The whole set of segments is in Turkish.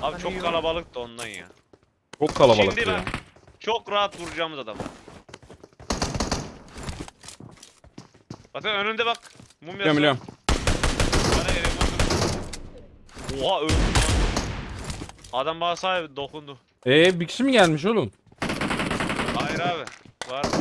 Abi çok kalabalık da ondan ya. Çok kalabalık Şimdi ya. bak. Çok rahat vuracağımız adam. Bakın önünde bak. Mumyası. Biliyorum biliyorum. Bana yere vurdu. Oha öldü. Adam bana sahibi dokundu. Bir kişi mi gelmiş oğlum? Hayır abi. Var mı?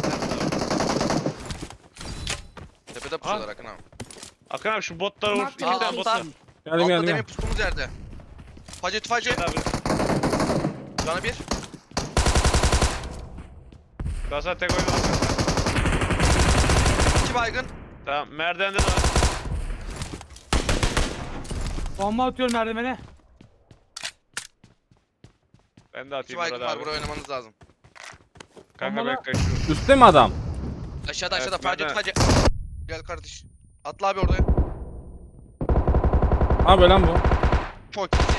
Tepede pusuyorlar Akın abi. Akın abi şu botları vur. Mark İki the tane bot var. location. Geldim Altta geldim. demin geldim. pustumuz yerde. Facı tufacı. Gel abi. Canı bir. Gasa tek oyunu var. 2 baygın. Tamam merdivende de var. Bomba atıyorum merdivene. Ben de 2 atayım baygın burada var. abi. Buraya oynamanız lazım. Kanka Bombalı. ben kaçıyorum. Üstte mi adam? Aşağıda Evet, aşağıda facı nerede? tufacı. Gel kardeş. Atla abi oraya. Ha böyle lan bu. Çok iyi.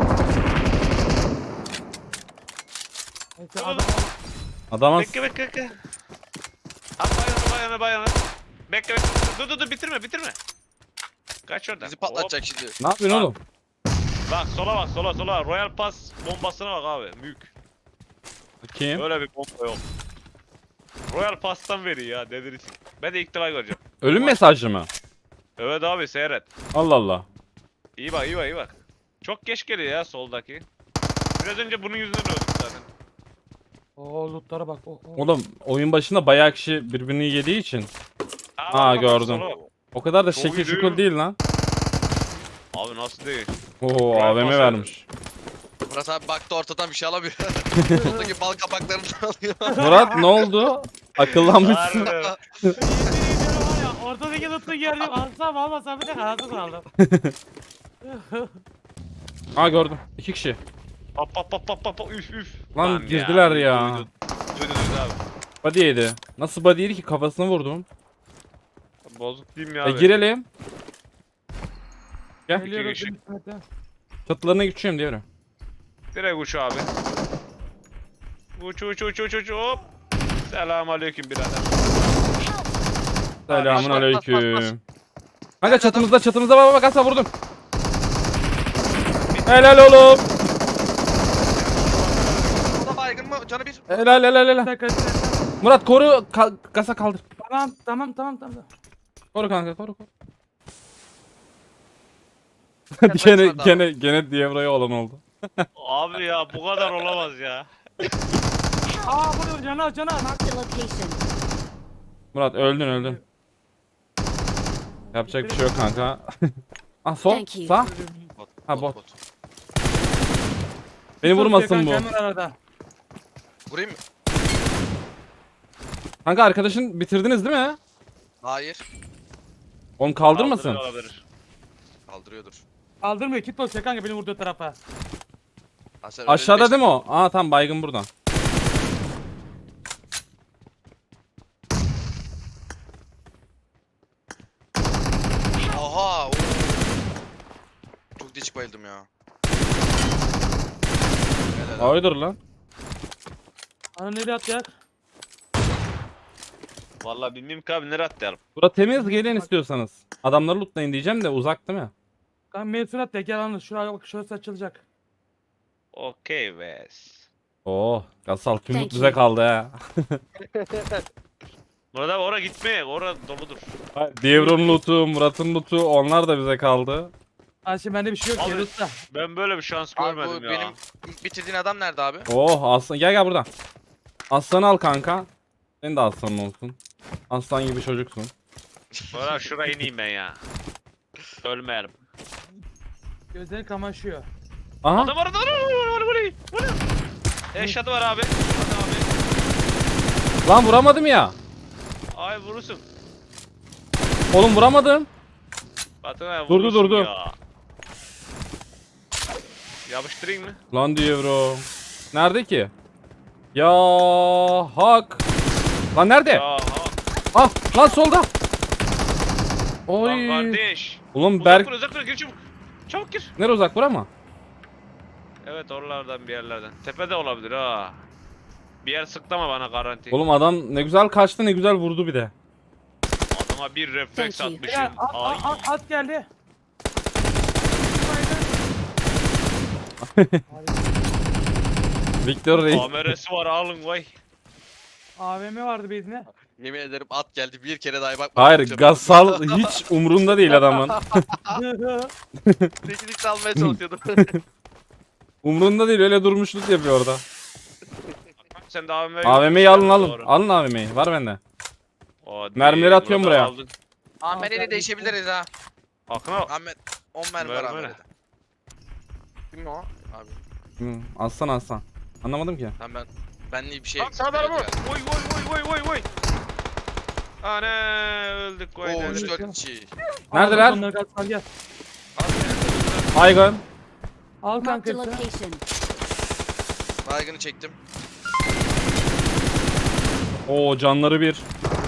Neyse adam Adama Bekle. At bayana. Bekle. Dur bitirme. Kaç oradan. Bizi patlatacak şimdi. ne yapıyorsun oğlum? Bak sola. Royal Pass bombasına bak abi. Büyük. Kim? Böyle bir bomba yok. Royal Pass'tan veriyor ya delirsin. Ben de ilk defa göreceğim. Ölüm mesajı mı? Evet abi seyret. Allah Allah. İyi bak. Çok geç geliyor ya soldaki. Biraz önce bunun yüzünden öldük zaten. Oo lootlara bak. Oğlum oyun başında bayağı kişi birbirini yediği için. Bak, gördüm. sola bak. O kadar da Çok şekil iyi değil şukul mi? değil lan. Abi nasıl değil? Oo Royal AVM Pass vermiş. Murat abi baktı ortadan bir şey alamıyor. Oradaki bal kabaklarını alıyor. Murat ne oldu? Akıllanmışsın. Harbi. Var ya ortadaki loot'u gördüm. Alsam almasam bir de kararsız aldım. Ha gördüm. 2 kişi. Pap. Üf. Lan girdiler ya. Duydu abi. Body yedi. Nasıl body yedi ki kafasına vurdum. Bozuk değil mi ya abi? Girelim. Gel. Geliyoruz. kişi. İsmet'e. Çatılarına geçiyorum diyorum. Direkt uç abi. Uç hop. Selamünaleyküm birader. Selamun bas, aleyküm. Kanka çatımızda bak asla vurdum. Helal oğlum. O da baygın mı? Canı bir. Helal. Bir dakika. Murat koru kasa kaldır. Tamam. Koru kanka koru. Kaç gene maç vardı abi? gene Dievra'ya olan oldu. Abi ya bu kadar olamaz ya. Aa burada cana. Mark the location. Murat öldün. Yapacak bir şey yok kanka. Ah sol Thank you. sağ. Ha bot. Beni vurmasın bu. Hemen arada. Vurayım mı? Kanka arkadaşın bitirdiniz değil mi? Hayır. Oğlum kaldırmasın. Kaldırıyor olabilir. Kaldırıyordur. Kaldırmıyor. Kit basıyor kanka beni vurduğu tarafa. Ha, sen Aşağıda öyle değil mi o? Aa tamam baygın buradan. Oha. Oo. Çok değişik bayıldım ya. Helal abi. Haydır lan. Ana nereye atacak? Vallahi bilmiyorum ki abi nereye atlayalım. Bura temiz gelin istiyorsanız. Adamları lootlayın diyeceğim de uzak değil mi? Kanka mevsun at ya gel anla. Şuraya bak şurası açılacak. Okey wes. Oh Gasal tüm Thank loot bize you. kaldı ha. Burada oraya gitmeye orada doludur. Dievra'nın lootu, Murat'ın lootu onlar da bize kaldı. Ha şimdi bende bir şey yok Abi, ki loot'ta. Ben böyle bir şans Abi görmedim bu ya. benim ilk bitirdiğin adam nerede abi? Oh aslan gel buradan. Aslanı al kanka. Senin de aslanın olsun. Aslan gibi çocuksun. Oraya şuraya ineyim ben ya. Ölmeyelim. Gözleri kamaşıyor. Aha. Adam var. Eşatı var abi. Hadi abi. Lan vuramadım ya. Ay vurursun. Oğlum vuramadım. Batın abi Durdu, vurursun durdu. ya. Yapıştırayım mı? Lan Dievro. Nerede ki? Ya hak. Lan nerede? Ya ha. Ah lan solda. Lan Oy. kardeş. Oğlum Uzak Berk dur uzak dur gir çabuk. Çabuk gir. nere uzak bura mı? Evet oralardan bir yerlerden. Tepede olabilir ha. Bir yer sıklama bana garanti. Oğlum adam ne güzel kaçtı ne güzel vurdu bir de. Adama bir refleks Thank you. atmışım. Ya, Ay. at geldi. Victor Reis. Kamerası var alın vay. AVM vardı bezine. Yemin ederim at geldi bir kere daha bak. Hayır Gasal hiç umrunda değil adamın. Teknik almaya çalışıyordum. Umrunda değil, öyle durmuşluk yapıyor orada. Sen de AVM'yi AVM'yi alın alın. Alın AVM'yi, var bende. Mermileri atıyorum buraya. Ahmet'e değişebiliriz ha. Akına Ahmet 10 mermi var Mermi ne? Ahmet'e. Kim o? Abi. Hı, Aslan. Anlamadım ki. Lan benli bir şey. Lan sağda araba. Oy oy. Ana öldük koy. Oo neler. 3-4 kişi. Neredeler? Onları gel, gel. Baygın. Al kanka Marked a hepsini. location. Baygını çektim. Oo canları bir.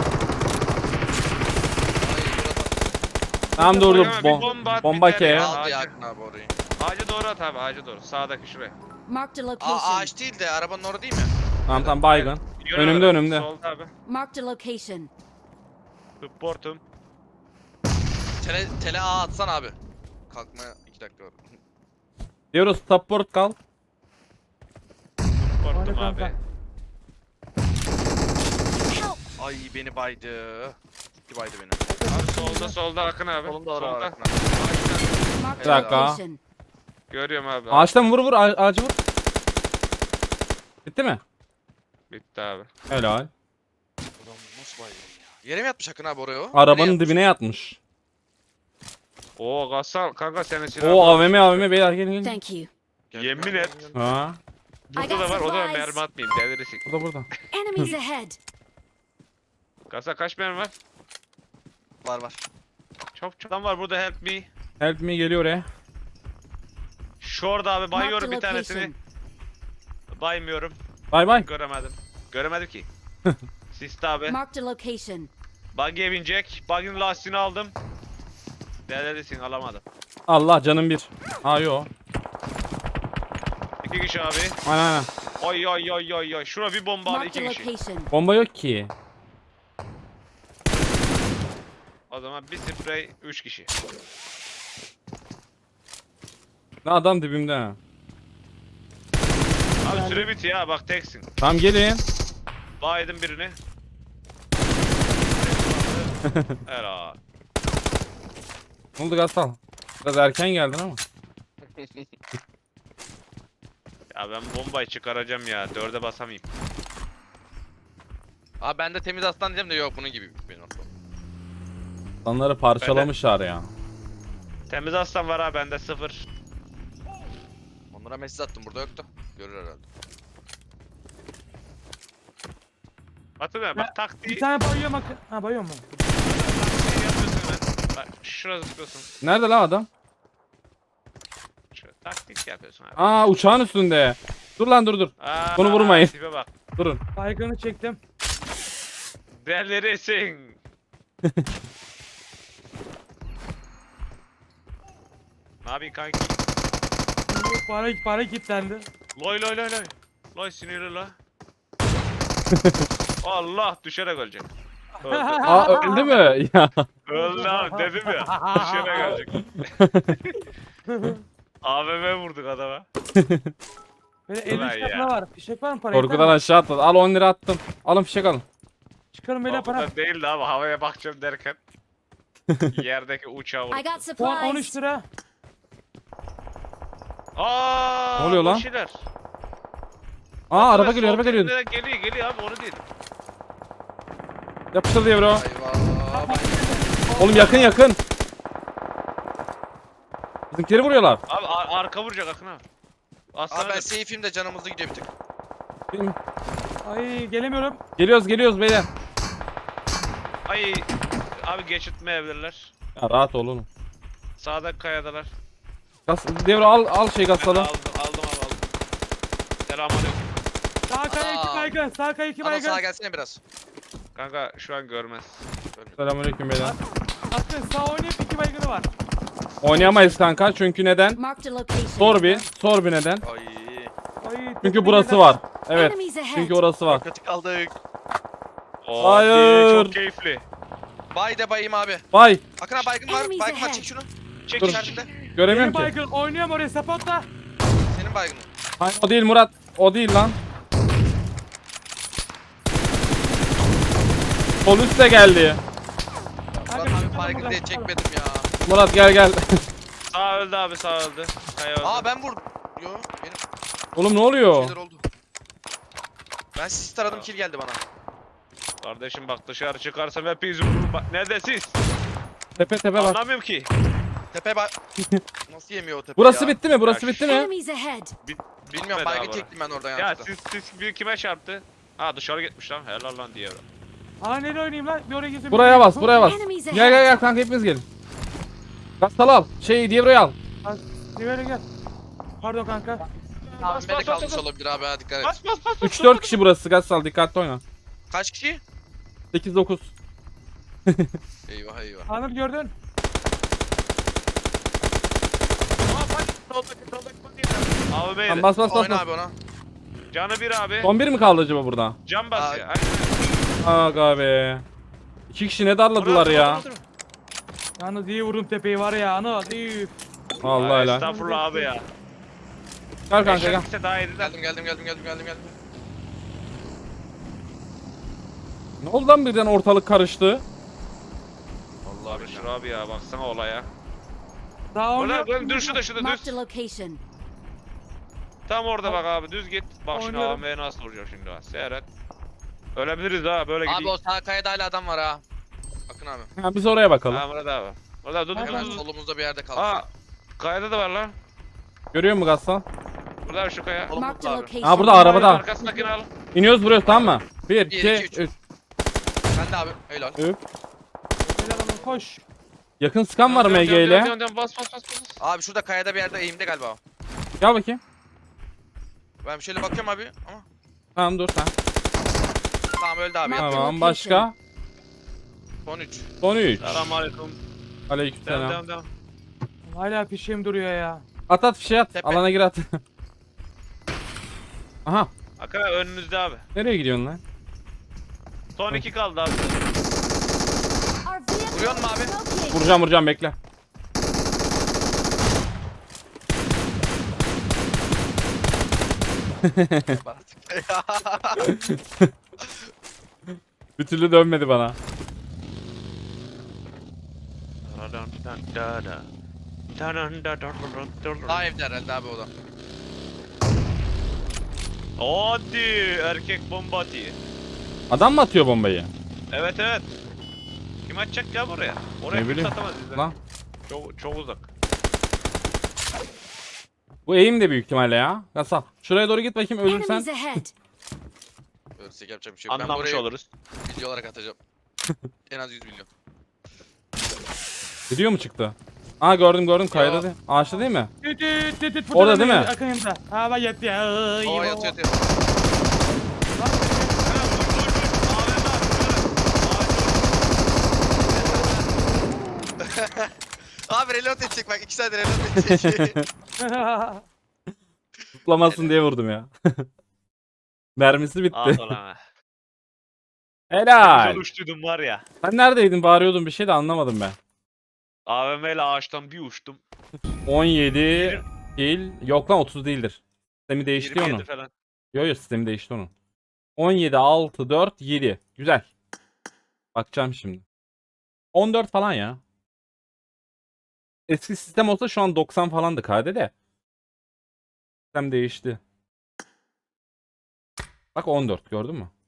Ay burada Tamam dur dur. Koyama, bir bomba at, Bomba biter ke. ya. aldı Ağacı. yakın abi orayı. Ağacı doğru at abi ağacı doğru. Sağdaki şuraya. Marked a location. Ağaç değil de arabanın orada değil mi? Tamam baygın. Yürü Önümde, abi. önümde. Solda abi. Marked a location. Supportum. Tele A atsan abi. Kalkmaya 2 dakika var. Diyoruz support kal. Supportum Hadi abi. kanka. Ay beni baydı. Gitti baydı beni. Abi solda Akın abi. Solunda var Solda. abi. Marked Bir a dakika. location. Görüyorum abi. Ağaçtan vur ağacı vur. Bitti mi? Bitti abi. Helal. Ulan nasıl baydı ya? Yere mi yatmış Akın abi oraya o? Arabanın Nereye dibine yatmış. Oo Gassal kanka senin silah. Oo AVM beyler gelin. Thank you. yatmış? Yemin et. Ha, Burada da var o da mermi atmayayım delirsin. burada. Enemies ahead. Gassal kaç mermi var? Var. Çok adam var burada help me. Help me geliyor oraya. Şurada abi Marked a bayıyorum bir tanesini. location. Baymıyorum. Bay. Göremedim ki. Siste abi. Marked a location. Buggy'e binecek. Buggy'nin lastiğini aldım. Delirsin alamadım. Allah canım bir. Ha yo. 2 kişi abi. Aynen. Oy. Şuna bir bomba al Marked 2 a kişi. location. Bomba yok ki. O zaman bir sprey 3 kişi. Ne adam dibimde ha. Abi süre bitiyor ha bak teksin. Tamam gelin. Baydım birini. Helal. Ne oldu Gasal? Biraz erken geldin ama. Ya ben bombayı çıkaracağım ya. 4'e basamayayım. Abi ben de temiz aslan diyeceğim de yok bunun gibi benim aslan. İnsanları parçalamışlar ya. Temiz aslan var ha bende 0. Onlara mesaj attım burada yoktu. Görür herhalde. Hatırlıyor musun? Bak taktiği Bir tane bayıyorum Akın. Ha bayıyor mu? yapıyorsun hemen. Bak şurada tutuyorsun. Nerede lan adam? Şöyle taktik yapıyorsun abi. Aa uçağın üstünde. Dur lan dur. Aa, Bunu vurmayın. Tipe bak. Durun. Baygını çektim. Delirisin. Ne yapayım kanki? Para kilitlendi. Loy. Loy sinirli la. Allah düşerek ölecek. Öldü. Aa öldü mü? Ya. Öldü abi dedim ya. Düşerek ölecek. AVM vurduk adama. Böyle Ulan 50 ya. katına var. Fişek var mı para? Korkudan aşağı atladı. Al 10 lira attım. Alın fişek alın. Çıkarın böyle para. Korkudan değildi abi havaya bakacağım derken. Yerdeki uçağı I vurdum. got Puan 13 supplies. lira. Aa, Ne oluyor lan? boş şeyler. Aa araba Evet, geliyor sol geliyor. tepelerden Geliyor abi onu değil. Yapıştır diye bro. Eyvah. Oğlum yakın. Bizimkileri vuruyorlar. Abi arka vuracak Akın abi. Aslan Abi ben abi. safe'im de canımızda gidiyor bir tık. Ay gelemiyorum. Geliyoruz beyler. Ay abi geçirtmeyebilirler. Ya rahat ol oğlum. Sağdaki kayadalar. Devre al şey Ben gasalı. aldım abi aldım. Selamünaleyküm. Sağ kaya 2 Aa. baygın. Sağ kaya 2 Ana baygın. sağa gelsene biraz. Kanka şu an görmez. Selamünaleyküm beyler. Akın sağ oynayıp 2 baygını var. Oynayamayız kanka çünkü neden? Marked a location. Sor bir neden? Ay. Ay, Çünkü burası var. Evet. Enemies ahead. Çünkü orası var. Kötü kaldık. Oo, Hayır. Çok keyifli. Bay de bayım abi. Vay. Akın abi baygın var. Enemies Baygın var ahead. çek şunu. Çek Dur. çek. İçerisinde. Göremiyorum Benim ki. baygın oynuyorum oraya sapotla. Senin mi baygını? Hayır o değil Murat. O değil lan. Sol üstte geldi. Murat abi baygın diye çekmedim ya. Murat gel gel. Sağ öldü abi, sağ öldü. Kaya öldü. Aa ben vurdum. Yo benim Oğlum ne oluyor? şeyler oldu. Ben sis taradım kill geldi bana. Kardeşim bak dışarı çıkarsam hepiniz vururum. Bak nerede siz? Tepe bak. Tepe Anlamıyorum ki. Nasıl yemiyor o tepe Burası ya? bitti mi? Burası Ya bitti mi? Enemies ahead. Bilmiyorum Bitmedi baygın abi. çektim ben oradan Ya yanlışlıkla. siz bir kime çarptı? Ha dışarı gitmiş lan. Helal lan diye. Aa nereye oynayayım lan? Bir oraya gitsin. Buraya bas, buraya bas. Enemies Gel gel ahead. gel kanka hepiniz gelin. Gastal al. Diablo'yu al. Böyle gel. Pardon kanka. Abi beni kalmış olabilir abi ha dikkat et. Bas bas bas. 3-4 kişi burası Gastal dikkatli oyna. Kaç kişi? 8-9. Eyvah eyvah. Anıl gördün. Abi beyler. Tamam, bas bas bas. Oyna bas. abi ona. Canı bir abi. Son bir mi kaldı acaba burada? Can basıyor. Aga be. 2 kişi ne darladılar ya. Yalnız iyi vurdum tepeyi var ya Anıl. İyi. Vallahi helal. Estağfurullah abi ya. Gel kanka gel. Eşek daha iyiydi de. Geldim. Ne oldu lan birden ortalık karıştı? Allah Büşra abi ya baksana olaya. Daha Orada oynuyor. dur şurada düz. Marked a location. Tam orada bak abi düz git. Bak şimdi Oynuyorum. AM'ye nasıl vuracak şimdi ha. Seyret. Ölebiliriz ha böyle Abi gidiyor. o sağ kayada hala adam var ha. Bakın abi. Ha, biz oraya bakalım. Ha burada abi. Burada dur Hemen dur dur. solumuzda bir yerde kalmış. Aa. Kayada da var lan. Görüyor musun Gastal? Burada şu kaya. Oğlum, Marked a abi. location. Ha burada arabada. Arkasındakini al. İniyoruz buraya tamam mı? 1, Bir, 2, iki, üç. 3. Ben de abi. Helal. Helal Anıl koş. Yakın sıkan var MG ile. Bas bas bas bas. Abi şurada kayada bir yerde eğimde galiba o. Gel bakayım. Ben şöyle bakıyorum abi ama. Tamam dur sen. Tamam öldü abi. Tamam. Tamam başka. Son 3. Son 3. Selamünaleyküm. Aleykümselam. Devam. Hala fişim duruyor ya. At at fişe at. Tepe. Alana gir at. Aha. Akara önünüzde abi. Nereye gidiyorsun lan? Son 2 kaldı abi. Our vehicle Vuruyor musun abi? is smoking. Vuracağım bekle. Bir türlü dönmedi bana. Daha evde herhalde abi o da. Hadi erkek bomba atıyor. Adam mı atıyor bombayı? Evet evet. Kim atacak ya buraya? Oraya Ne kim bileyim. satamaz bizden. Lan. Çok uzak. Bu eğim de büyük ihtimalle ya. Gasal. Şuraya doğru git bakayım ölürsen. Enemies ahead. Ölürsek yapacak bir şey yok. Ben Anlamış burayı oluruz. video olarak atacağım. En az 100 milyon. Gidiyor mu çıktı? Aa gördüm kayada Yo. değil. Ağaçta değil mi? Tüt. Orada değil mi? Akınında. Ha bak yetti ya. Oo yatıyor. Abi reload edecek bak 2 saat reload edecek. Tutlamasın diye vurdum ya. Mermisi bitti. Ah ulan ha. Helal. Güzel uçtuydum var ya. Sen neredeydin? Bağırıyordun bir şey de anlamadım ben. AVM ile ağaçtan bir uçtum. 17 kill. Yok lan 30 değildir. Sistemi değişti 27 onun. falan. Yo sistemi değişti onun. 17, 6, 4, 7. Güzel. Bakacağım şimdi. 14 falan ya. Eski sistem olsa şu an 90 falandı KD de. Sistem değişti. Bak 14 gördün mü?